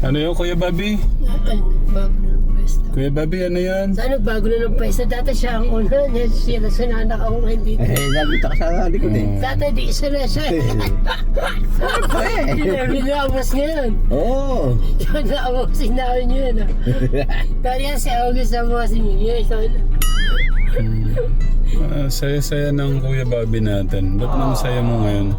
Ano yun, Kuya Bobby? Ay, bago na ng pwesto. Kuya Bobby, ano yan? Saan nagbago na ng pwesto? Dati siya ang una. Siya na sinanak ako ngayon dito. Nabita ka sa likod eh. Dati di isa na siya. Binabas ngayon. Oo. Siya na-abosin namin yun. Kaya si August na-abosin yun. Ikaw na. Saya-saya ng Kuya Bobby natin. Ba't nang saya mo ngayon?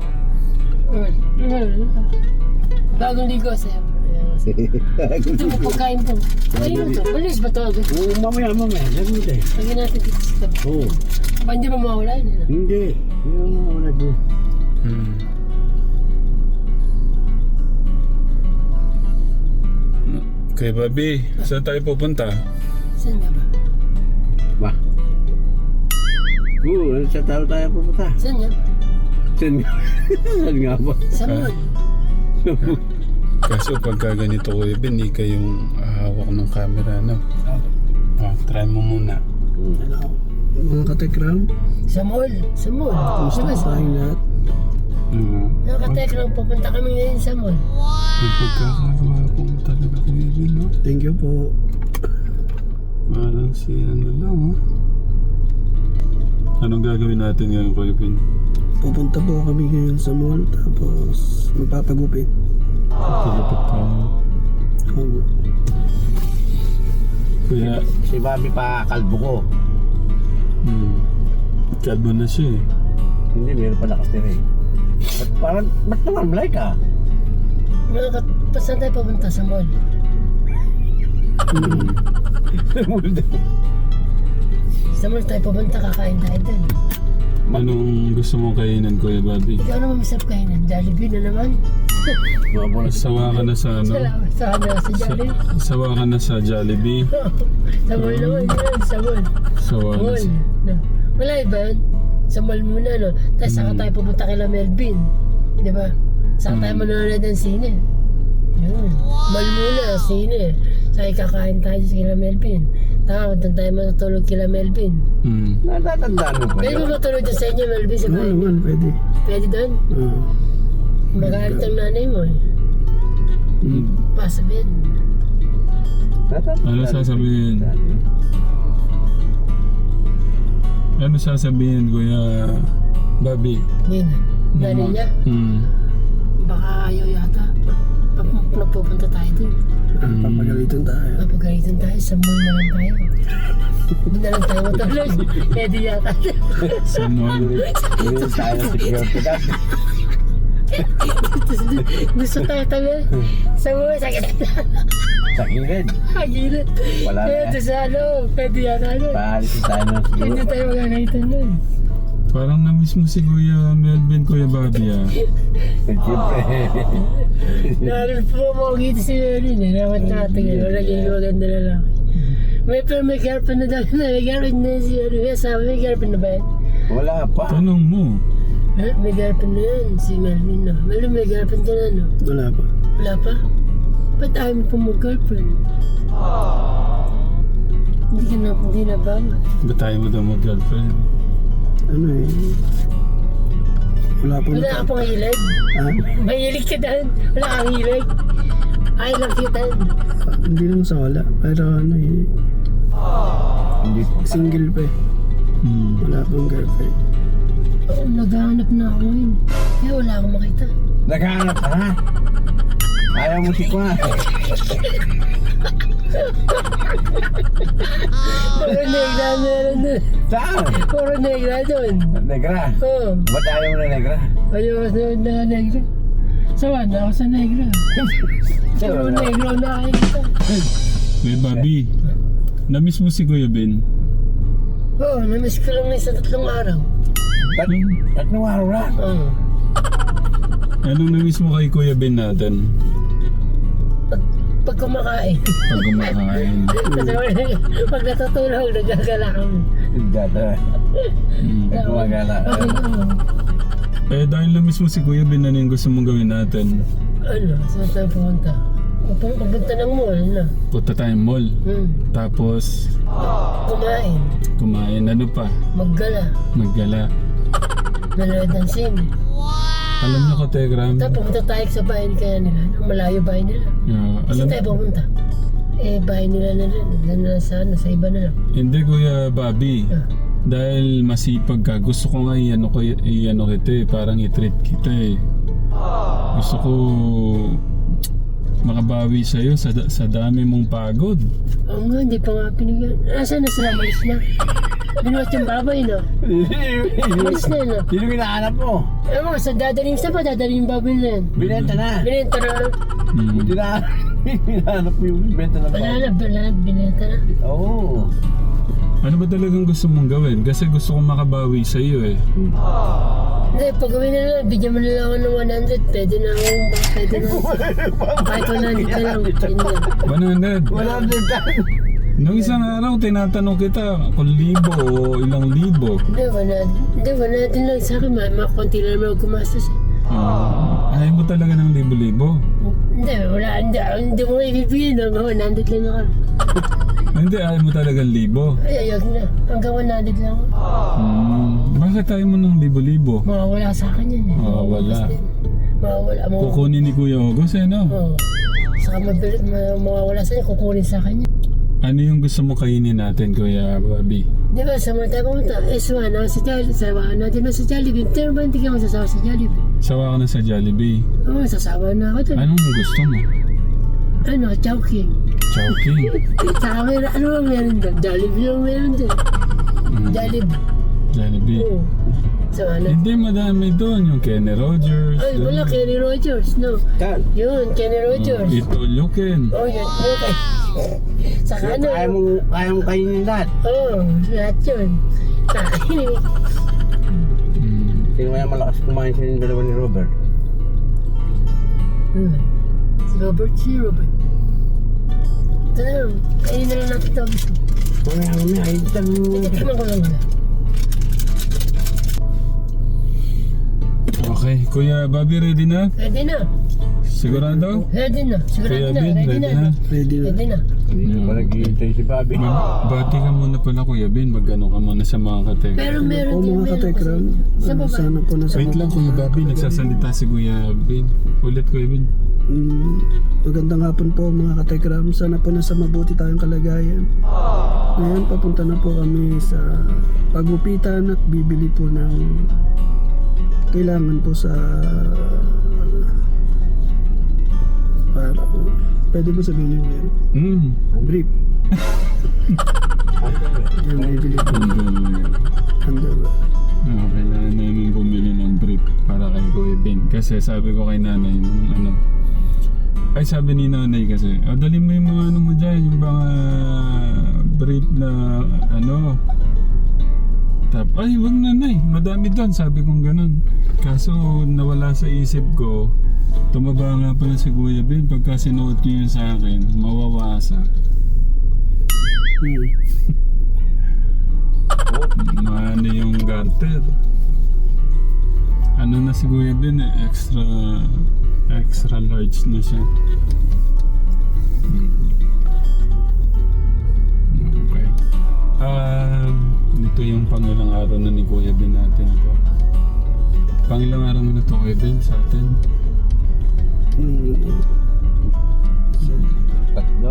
Bagong ligo sa'yo. Ito mo pagkain po. Ayun ito. Balis ba ito? Oo, mamaya. Sabi mo tayo. Lagyan natin dito sa ito. Oo. Pa hindi ba mawala yun? Ano? Hindi. Hindi mo mawala doon. Kuya Bobby, saan tayo pupunta? Saan nga ba? Ba? Oo, sa tao tayo pupunta. Saan nga? Saan nga? Saan nga ba? Sa mall. Kaso pagka ganito, Kuya Ben, di kayong hawak ng camera, no? Try mo muna. Mga katekram, Sa mall. Sa mall. gusto Diba ko sa tayong lahat. mga katekram, pupunta kami ngayon sa mall. May pagkakagawa po talaga, Kuya Ben, no? Thank you po. Parang si ano lang, oh. Anong gagawin natin ngayon, Kuya Ben? Pupunta po kami ngayon sa mall, tapos magpapagupit. Pagkakapit tayo. Oo. Kuya, Si Bobby pa kalbo ko. kalbo na siya eh. Hindi, meron pa nakatira eh. Ba't naman malay ka? Saan tayo pupunta sa mall? Sa mall tayo pupunta, kakain tayo dun. Anong gusto mong kainan, Kuya Bobby? Ikaw naman masarap kainan. Jollibee na naman. Sawa ka na sa ano? Salamat sa Jollibee. Sawa ka na sa Jollibee. Sa mall naman yun. Sa mall. Sawa na Mall. sa... No. Wala ba yun? Sa mall muna, no? Tapos saka tayo pupunta kila Melvin. Di ba? Saka tayo manonood ng sine. Yun. Mall muna, sine. Saka kakain tayo sa kila Melvin. Tapos doon tayo matutulog kila Melvin. Natatandaan mo pa Pwede yun? ba matulog doon sa inyo, Melvin? Sa Oo bahay? naman, pwede. Pwede doon? Oo. Magalit ang nanay mo eh. Pasabihin. Ano sasabihin? Ano sasabihin, Kuya Bobby? Yun. Nanay niya, baka ayaw yata. Napupunta tayo doon. Papagalitan tayo. Mapagalitan tayo, sa mall na lang tayo. Doon na lang tayo matulog. Pwede yata. Sa mall. Hindi tayo sa security guard. Gusto tayo tabi. Sa mall, sakit. Sa gilid. Hagilit. Wala na. Ito sa ano, pwede yata doon. Paalisin tayo ng Hindi siguro. tayo magagalitan doon. Parang na-miss mo si Kuya Melvin, Kuya Bobby, ah. Siyempre. Naroon po mo dito si Merin eh. Dapat natin eh. Naging maganda na lang. May girlfriend na daw na. May girlfriend na si Merin. May asawa, may girlfriend na ba yan? Wala pa. Tanong mo. Ha? May girlfriend na yan. Si Melvin no. Melvin, may girlfriend ka na no? Wala pa. Wala pa? Ba't ayaw mo pa mag-girlfriend? Hindi na ba? Ba't tayo mo daw mag-girlfriend? Ano eh. Wala pa. Wala ka pang hilig? Ha? Mahilig ka dahil. Wala kang hilig? I love you dahil. Hindi naman sa wala. Pero ano eh. Hindi pa. Single pa eh. Wala pang girlfriend. Oh, naghahanap na ako ngayon. Kaya wala akong makita. Naghahanap ka na. Ayaw mo si Kwa. Puro negra meron dun. Saan? Puro negra dun. Negra. Oo. Ba't ayaw mo na negra? Ayaw ko sa negra. Sawa na ako sa negra. Puro negra na nakikita. Kuya Bobby, na-miss mo si Kuya Ben? Oo, namiss ko lang sa 3 araw. Tatlong araw na. Oo. Anong na-miss mo kay Kuya Ben natin? Pag kumakain. Pag kumakain. Pag natutulog, nagagala kami. Dada. Gumagala. Eh dahil na-miss mo si Kuya Ben, ano yung gusto mong gawin natin? Ano, saan tayo pumunta? Pupunta ng mall na. Punta tayong mall. Tapos Kumain. kumain. Ano pa? Maggala. Maggala. Manood ng sine. Alam niyo, Kategram, Tapos pumunta tayo sa bahay kaya nila. Malayo bahay nila. Saan alam, tayo pumunta? Bahay nila na rin. Sa iba na lang. hindi Kuya Bobby. Ah. Dahil masipag ka, gusto ko nga i-ano kita eh, parang i-treat kita eh. Gusto ko makabawi sa'yo sa dami mong pagod. Oo nga, hindi pa nga pinigyan. Nasaan na sila? Malis na. Binuhat yung baboy, no? Malis na, no? Sino hinahanap mo? Ewan ko, sa dadaling sa pa, dadaling yung baboy na yan. Binenta na. Binenta na. Buti na. Hinahanap mo yung benta na Wala na, binenta na. Oo. Ano ba talagang gusto mong gawin? Kasi gusto kong makabawi sa'yo eh. Hindi, pag gawin na lang, bigyan mo na lang ako ng 100. Pwede na ako, pwede na. Kahit 100 na lang, yun na. 100. 100 Nung isang araw, tinatanong kita kung libo o ilang libo. Hindi, 100 lang sa akin. Konti lang naman ako gumastos. Ayaw mo talaga ng libo-libo. Hindi, wala. Hindi mo ibibigyan ng 100 lang ako. Hindi, ayaw mo talagang libo. Ay, ayog na. Hanggang 100 lang ako. Bakit ayaw mo ng libo-libo? Mawawala sa akin yan eh. Mawawala. Mawawala. Kukunin ni Kuya August eh, no? Oo. Saka mawawala sa akin, kukunin sa akin yan. Ano yung gusto mo kainin natin, Kuya Bobby? Di ba, sa mga tayo pumunta, S1, ako sa Jollibee, sawa natin na sa Jollibee. Pero ba hindi ka masasawa sa Jollibee? Sawa ka na sa Jollibee. Oo, sasawa na ako doon. Anong gusto mo? Chowking. Chowking. Saka meron, ano ba meron doon? Jollibee yung meron doon. Jollibee. Jollibee. Oo. So ano? Hindi, madami doon. Yung Kenny Rogers. Ay, wala, Kenny Rogers, no? Kan. Yun, Kenny Rogers. Ito, Luken. Oh, yun, okay. Saka ano? Kaya mong kainin lahat. Oo, lahat yun. Kain. Sino kaya malakas kumain sa yung dalawa ni Robert? Si Robert. Ito na lang, kainin na lang natin ito. Mamaya, Tikman ko lang na. Okay, Kuya Bobby, ready na? Ready na. Sigurado? Ready na. Kuya Sigurado na. Bin, ready na? Ready na. Hindi pa naghihintay si Bobby. Bati ka muna pala, Kuya Bin. Mag-ano ka muna sa mga katek. Pero meron din. mga meron katekram, kasi. Sa baba. sana po nasa Wait lang, Kuya Bobby. Nagsasalita si Kuya Bin. Ulit, Kuya Bin. Magandang hapon po mga katekram. Sana po nasa mabuti tayong kalagayan. Ngayon papunta na po kami sa pagupitan at bibili po ng kailangan po sa para pwede mo sabihin yung meron? Brief. Yung bibili po. Underwear. Kailangan namin bumili ng brief para kay Kuya Bin. Kasi sabi ko kay nanay, nung ano, ay sabi ni nanay kasi, dali mo yung mga ano mo dyan, yung mga brief na ano. Ay, wag nanay, madami doon, sabi kong ganun. Kaso nawala sa isip ko, tumaba nga pala si Kuya Bin, pagka sinuot niyo yun sa akin, mawawasa. Maano yung garter. Ano na si Kuya Bin eh, extra large na siya. Okay. Ito yung pangilang araw na ni Kuya Bin natin ito. Pangilang araw mo na ito, Kuya Bin, sa atin. Tatlo.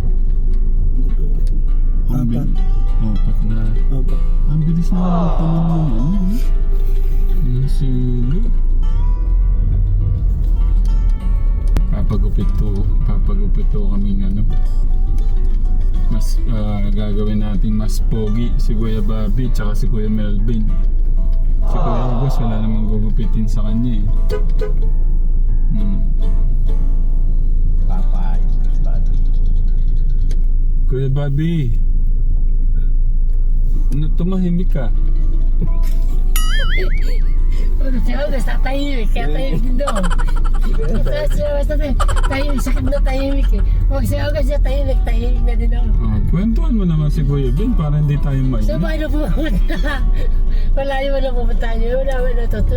Apat. Apat na. Apat. Ang bilis na lang tanong mo, ano? Yung silo. Papagupit to kaming ano. Mas gagawin natin mas pogi si Kuya Bobby tsaka si Kuya Melvin. Si Kuya August wala namang gugupitin sa kanya eh. Papayos si Bobby. Kuya Bobby, tumahimik ka. Si August, tatahimik. Kaya tahimik din doon. Si August, tahimik. Sakit na tahimik eh. Huwag si August siya tahimik na din ako. Kwentuhan mo naman si Kuya Ben para hindi tayo mainit. So, paano pumunta? Malayo mo na pumunta niyo. Wala mo na to.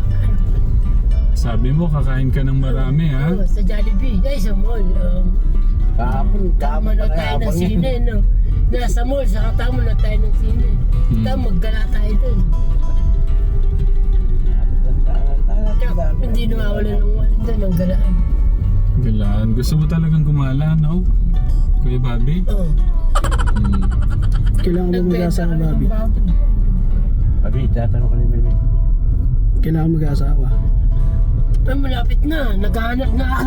Sabi mo, kakain ka ng marami ha? Sa Jollibee. Ay, sa mall. Tama na tayo ng sine, no? Nasa mall, saka tama na tayo ng sine. Tama, maggala tayo dun. Hindi nawawala ng walin doon, ng galaan. Galaan. Gusto mo talagang gumala, no? Kuya Bobby? Oo. Hmm. Kailangan mo mag-asawa, Bobby. Abi, tatanong ko ni Melvin. Kailangan mag-asawa. Ay, malapit na. Naghahanap na ako.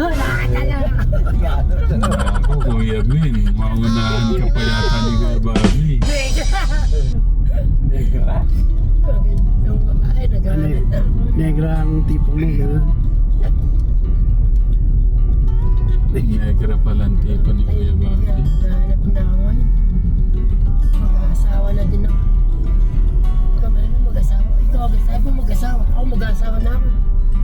Ako, Kuya Ben. Maunahan ka pa yata ni Kuya Bobby. Yung babae, naghahanap na ako. Negra ang tipo mo, gano'n. Negra pala ang tipo ni Kuya Bobby. Naghahanap na ako. Mag-asawa na din ako. Ikaw man na mag-asawa. Ikaw mag-asawa. Ako mag-asawa na ako.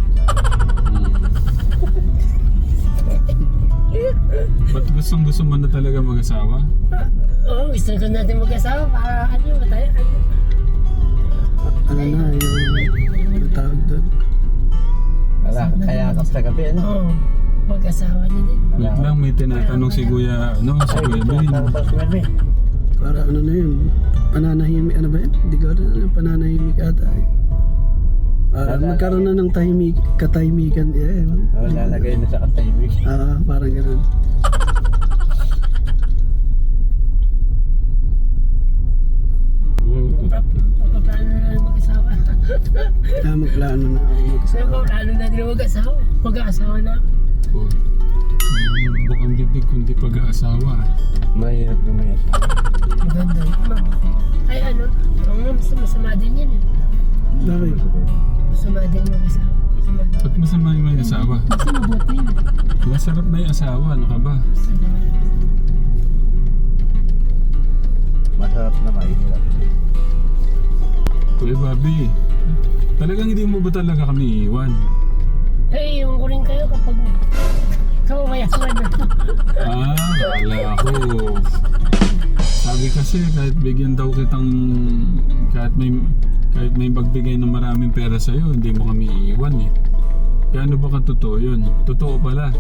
Ba't gusto mo na talaga mag-asawa? Oo, gusto ko natin mag-asawa para ano, tayo, ano. Ano na, yung tawag doon. Wala, kaya ako sa gabi, ano? Oo, mag-asawa na din. Wait lang, may tinatanong si Kuya, si Kuya Ben. Tanong ko si Melvin. Para ano na yun, pananahimik, ano ba yun? Hindi ko alam, pananahimik ata eh. Para magkaroon na ng katahimikan. Lalagay na sa katahimik. Parang gano'n. Paano na mag-asawa? Magplano na ako Pero mag-asawa. paano na din mag-asawa? Mag-asawa na ako. Oh. Bukang bibig kundi pag-aasawa. Mahirap lumayas. Maganda. Mabuti. Ay ano, masama din yan eh. Bakit? Masama din mag-asawa. Masama. Ba't masama yung may asawa? Kasi mabuti yun. Masarap na yung asawa, ano ka ba? Masarap na mahirap. Kuya Bobby, talagang hindi mo ba talaga kami iiwan? Eh, yung ko rin kayo kapag ikaw mayaman na. Kala ko. Sabi kasi kahit bigyan daw kitang, kahit may magbigay ng maraming pera sa'yo, hindi mo kami iiwan eh. Gaano ba katotoo yun? Totoo pala.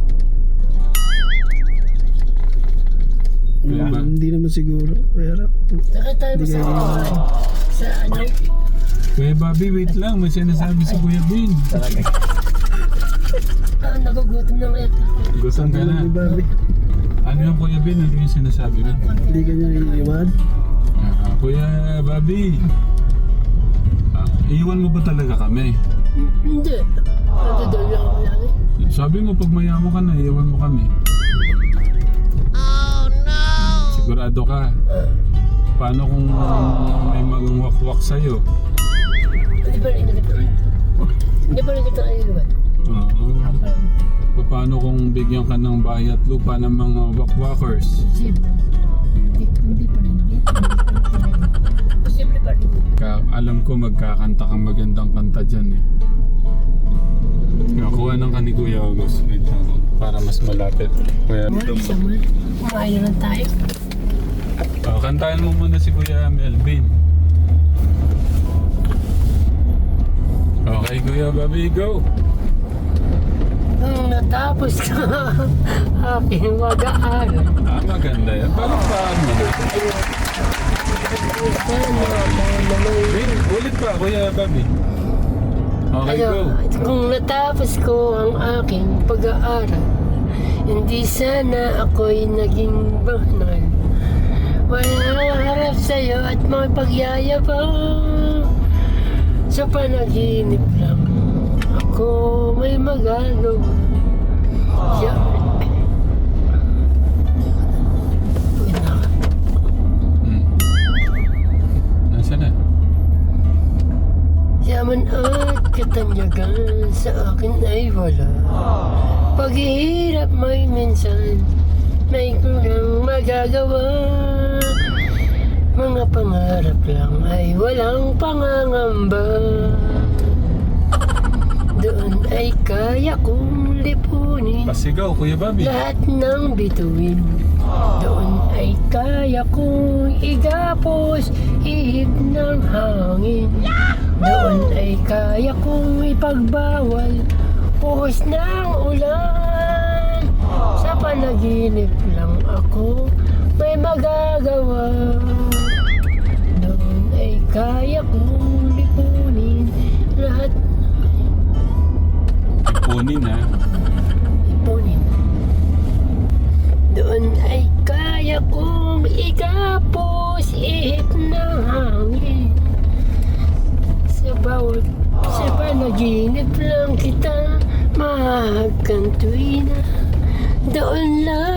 Kaya ba? Hindi naman siguro. Pero, Saka tayo Hindi sa kayo- sa ano, Kuya Bobby, wait lang. May sinasabi si Kuya Ben. Talaga. nagugutom na kaya ako. Gutom ka na. ni Bobby. Ano yung Kuya Ben? Ano yung sinasabi ko? Hindi ka niya iiwan. Kuya Bobby. Iiwan mo ba talaga kami? Hindi. Nandun lang ako lagi. Sabi mo pag mayaman ka na, iiwan mo kami. Oh no! Sigurado ka. Paano kung may magwakwak sa'yo? Hindi pa rin kita. Hindi pa rin kita naiiwan. Oo. Paano kung bigyan ka ng bahay at lupa ng mga wakwakers? Siyempre. Hindi pa rin. Posible pa rin. Alam ko magkakanta kang magandang kanta dyan eh. Kuha ng ka ni Kuya August. Wait lang, para mas malapit. Kuya, Samuel, kumain na lang tayo. kantahan mo muna si Kuya Melvin. Okay, Kuya Bobby, go! Nung natapos ka aking mag-aaral. Maganda yan. Palakpakan mo na. Wait, ulit pa, Kuya Bobby. Okay, go. Kung natapos ko ang aking pag-aaral, hindi sana ako'y naging banal. Walang harap sa'yo at mga pagyayabang. Sa panaginip lang ako may magagawa. Nasaan na? Yaman at katanyagan sa akin ay wala. Paghihirap may minsan, may kulang magagawa. Mga pangarap lang ay walang pangangamba. Doon ay kaya kong lipunin Pasigaw, Kuya Bobby. lahat ng bituin. Doon ay kaya kong igapos ihip ng hangin. Doon ay kaya kong ipagbawal puhos ng ulan. Sa panaginip lang ako may magagawa. Doon ay kaya kong lipunin lahat. panaginip lang kita mahagkan tuwina. Doon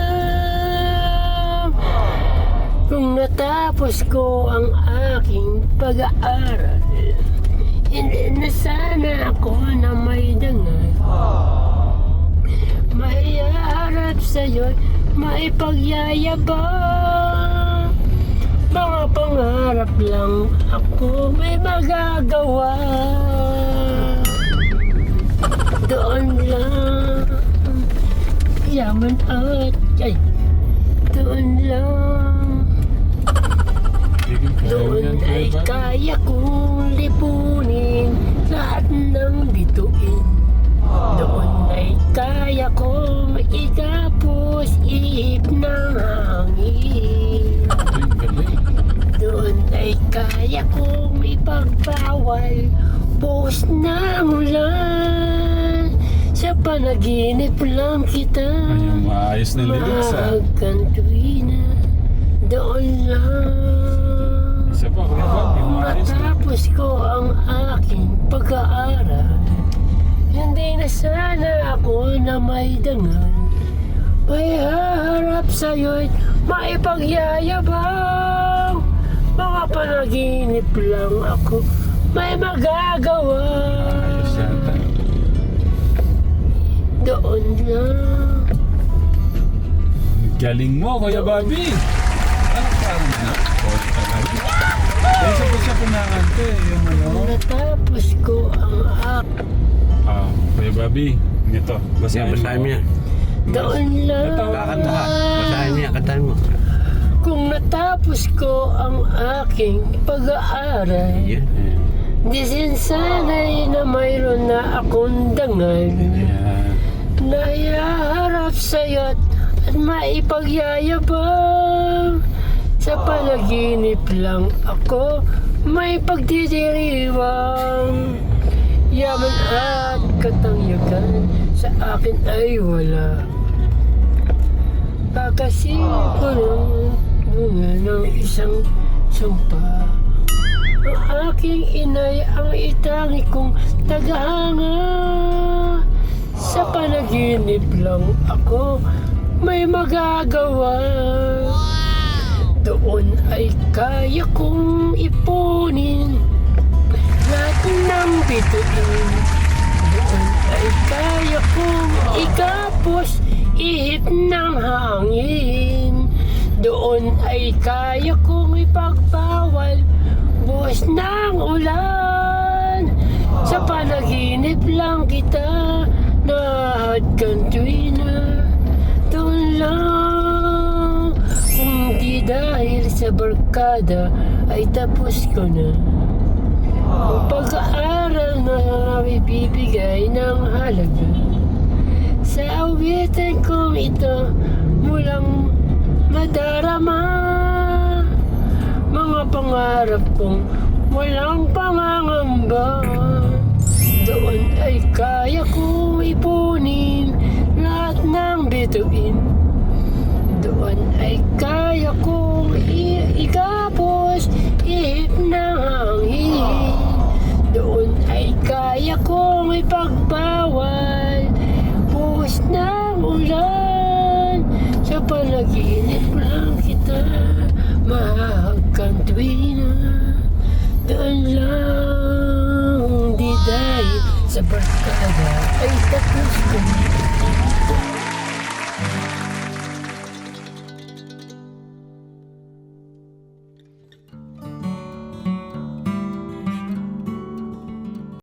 lang kung natapos ko ang aking pag-aaral. Hindi na sana ako na may dangal. Maiharap sa'yo'y maipagyayabang. Mga pangarap lang ako may magagawa. Doon lang yaman at ay doon lang. Doon ay kaya kong lipunin lahat ng bituin. Doon ay kaya kong ikapos ihip ng hangin. Doon ay kaya kong ipagbawal buhos ng ulan. Sa panaginip lang kita Ayun, maayos na lyrics ah. mahagkan tuwina. Doon lang Isa pa, Kuya Bob, yung maayos na. matapos ko ang aking pag-aaral. Hindi na sana ako na may dangal. May haharap sa'yo'y maipagyayabang. Mga panaginip lang ako may magagawa. Ayos yata. Doon lang. Galing mo, Kuya Bobby! Ano parang na? Isa pa siya kumakanta eh, yung ano. Kung natapos ko ang aking Kuya Bobby, ito, basahin mo. Basahin mo yan. doon lang. Kakanta ka. Basahin mo yan, kantahin mo. Kung natapos ko ang aking pag-aaral, Yan. di sin sana'y na mayroon na akong dangal. Yeah. Naiharap sa'yo't at maipagyayabang. Sa panaginip lang ako may pagdidiriwang. Yaman at katangyagan sa akin ay wala. Kakasilip ko ng bunga ng isang sumpa. Ang aking inay ang itangi kong tagahanga. Sa panaginip lang ako may magagawa. Doon ay kaya kong ipunin lahat ng bituin. Doon ay kaya kong ikapos ihip ng hangin. Doon ay kaya kong ipagbawal buhos ng ulan. Sa panaginip lang kita nahagkan tuwina. Doon lang kung di dahil sa barkada ay tapos ko na ang pag-aaral na ibibigay ng halaga. Sa awitin kong ito mulang madarama mga pangarap kong walang pangangamba. Doon ay kaya kong ipunin lahat ng bituin. Doon ay kaya kong ikapos ihip ng hangin. Doon ay kaya kong ipagbawal buhos ng ulan. Sa panaginip lang kita mahagkan tuwina. Doon lang di dahil sa barkada ay tapos ko.